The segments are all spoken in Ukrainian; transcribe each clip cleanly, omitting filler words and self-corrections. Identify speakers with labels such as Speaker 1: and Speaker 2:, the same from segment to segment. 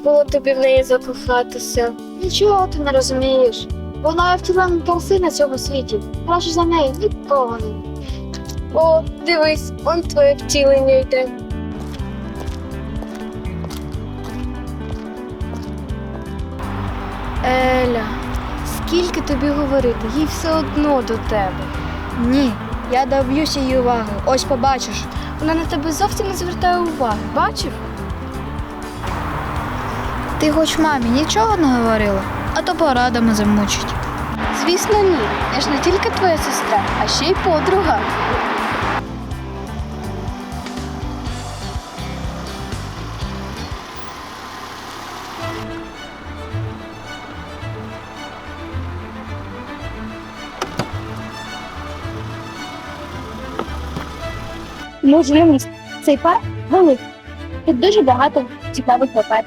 Speaker 1: було тобі в неї закохатися.
Speaker 2: Нічого ти не розумієш. Вона втілена краси на цьому світі. Краще за неї нікого не.
Speaker 1: О, дивись, он твоє втілення йде.
Speaker 3: Еля, скільки тобі говорити, їй все одно до тебе.
Speaker 2: Ні, я доб'юся її уваги. Ось побачиш.
Speaker 3: Вона на тебе зовсім не звертає уваги, бачив?
Speaker 2: Ти хоч мамі нічого не говорила, а то порадами замучить.
Speaker 3: Звісно, ні. Я ж не тільки твоя сестра, а ще й подруга.
Speaker 4: Можливість. Цей парк великий. Тут дуже багато цікавих лопат.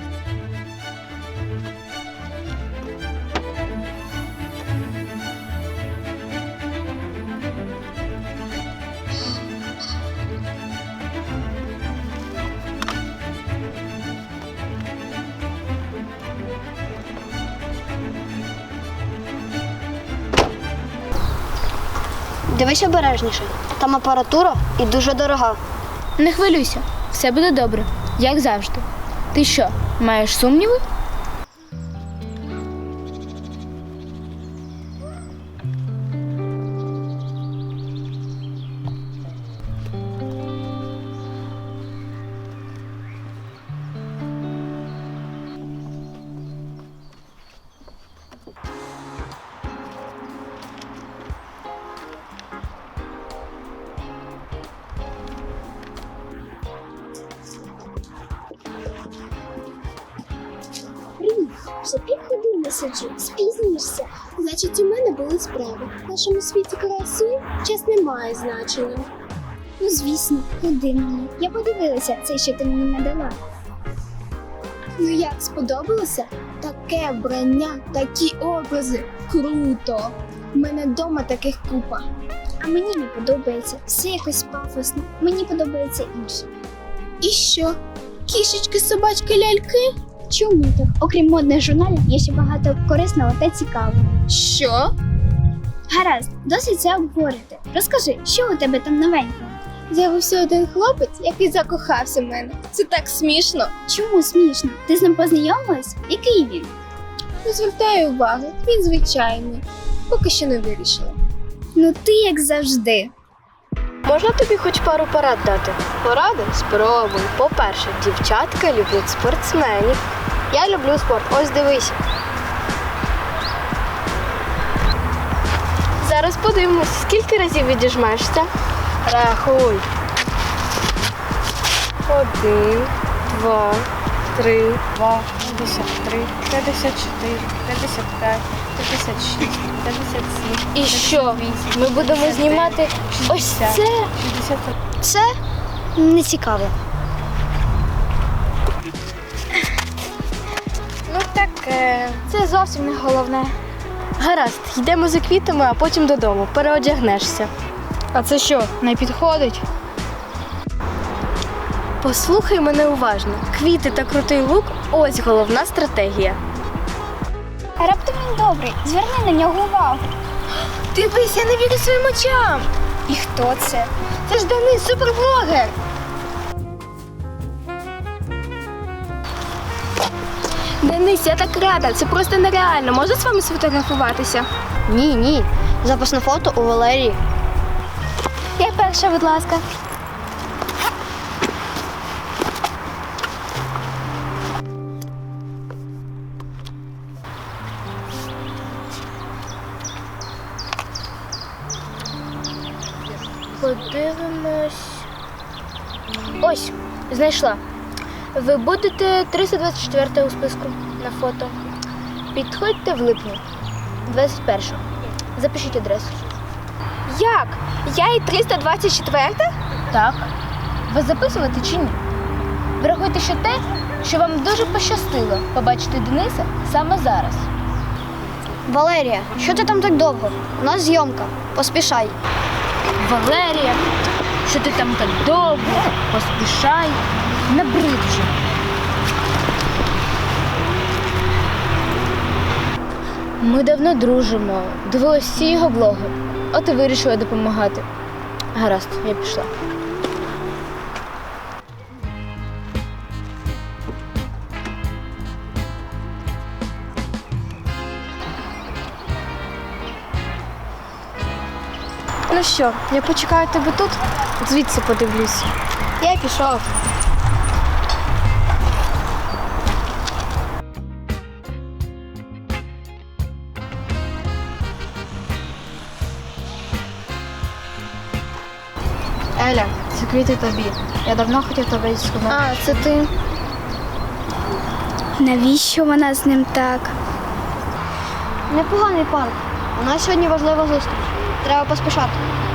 Speaker 5: Дивись обережніше. Там апаратура і дуже дорога.
Speaker 3: Не хвилюйся, все буде добре, як завжди. Ти що, маєш сумніви?
Speaker 4: Вже півгодини сиджу, спізнюєшся. Значить, у мене були справи. В нашому світі краси час не має значення. Ну, звісно, ходи мені. Я подивилася це, що ти мені надала. Ну як, сподобалося? Таке вбрання, такі образи. Круто! У мене вдома таких купа. А мені не подобається. Все якось пафосно. Мені подобається інше. І що? Кішечки, собачки, ляльки? Чому так? Окрім модних журналів, є ще багато корисного та цікавого. Що? Гаразд, досить це обговорити. Розкажи, що у тебе там новенького? З'явився один хлопець, який закохався в мене. Це так смішно. Чому смішно? Ти з ним познайомилась? Який він? Не звертаю уваги, він звичайний. Поки що не вирішила. Ну ти як завжди.
Speaker 1: Можна тобі хоч пару порад дати? Поради? Спробуй. По-перше, дівчатка люблять спортсменів. Я люблю спорт. Ось дивись. Зараз подивимось, скільки разів відіжмешся. Рахуй. 1, 2, 3,
Speaker 3: 2, 53, 54, 55, 56, 57.
Speaker 1: І що? Ми будемо знімати ось це?
Speaker 3: 60.
Speaker 5: Це не цікаво.
Speaker 1: Ну таке.
Speaker 2: Це зовсім не головне.
Speaker 1: Гаразд, йдемо за квітами, а потім додому. Переодягнешся.
Speaker 2: А це що, не підходить?
Speaker 1: Послухай мене уважно. Квіти та крутий лук – ось головна стратегія.
Speaker 4: А раптом він добрий, зверни на нього увагу.
Speaker 1: Дивись, я не вірю своїм очам.
Speaker 4: І хто це?
Speaker 1: Це ж Денис, суперблогер. Денис, я так рада, це просто нереально. Можна з вами сфотографуватися?
Speaker 5: Ні. Запасне фото у Валерії.
Speaker 1: Я перша, будь ласка. Подивимось. Ось, знайшла. Ви будете 324 у списку на фото. Підходьте в липні, 21-го. Запишіть адресу. Як? Я і 324? Так. Ви записувати чи ні? Врахуйте ще те, що вам дуже пощастило побачити Дениса саме зараз.
Speaker 5: Валерія, що ти там так довго? У нас зйомка. Поспішай.
Speaker 3: Валерія, що ти там так довго? Поспішай, набрид вже. Ми давно дружимо, дивилась всі його блоги. От і вирішила допомагати. Гаразд, я пішла.
Speaker 2: Ну що, я почекаю тебе тут, звідси подивлюсь.
Speaker 5: Я пішов. Еля, це квіти тобі. Я давно хотів тебе дізнатися.
Speaker 1: А, це ти.
Speaker 4: Навіщо вона з ним так?
Speaker 5: Непоганий парк. У нас сьогодні важлива зустріч. Треба поспішати.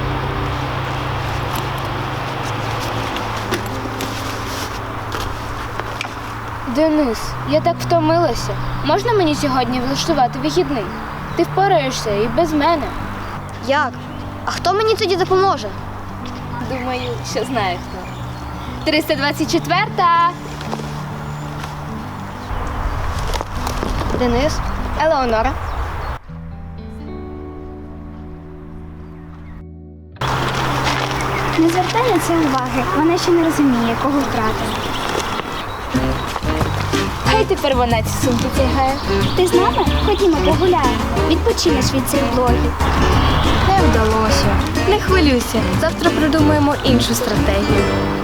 Speaker 3: Денис, я так втомилася. Можна мені сьогодні влаштувати вихідний? Ти впораєшся і без мене.
Speaker 5: Як? А хто мені тоді допоможе?
Speaker 3: Думаю, що знає хто. 324-та.
Speaker 5: Денис?
Speaker 3: Елеонора.
Speaker 4: Не звертай на це уваги, вона ще не розуміє, кого втратила.
Speaker 3: Хай тепер вона ці сумки тягає.
Speaker 4: Ти з нами? Ходімо погуляємо. Відпочинеш від цих блогів.
Speaker 2: Не вдалося. Не хвилюйся, завтра придумаємо іншу стратегію.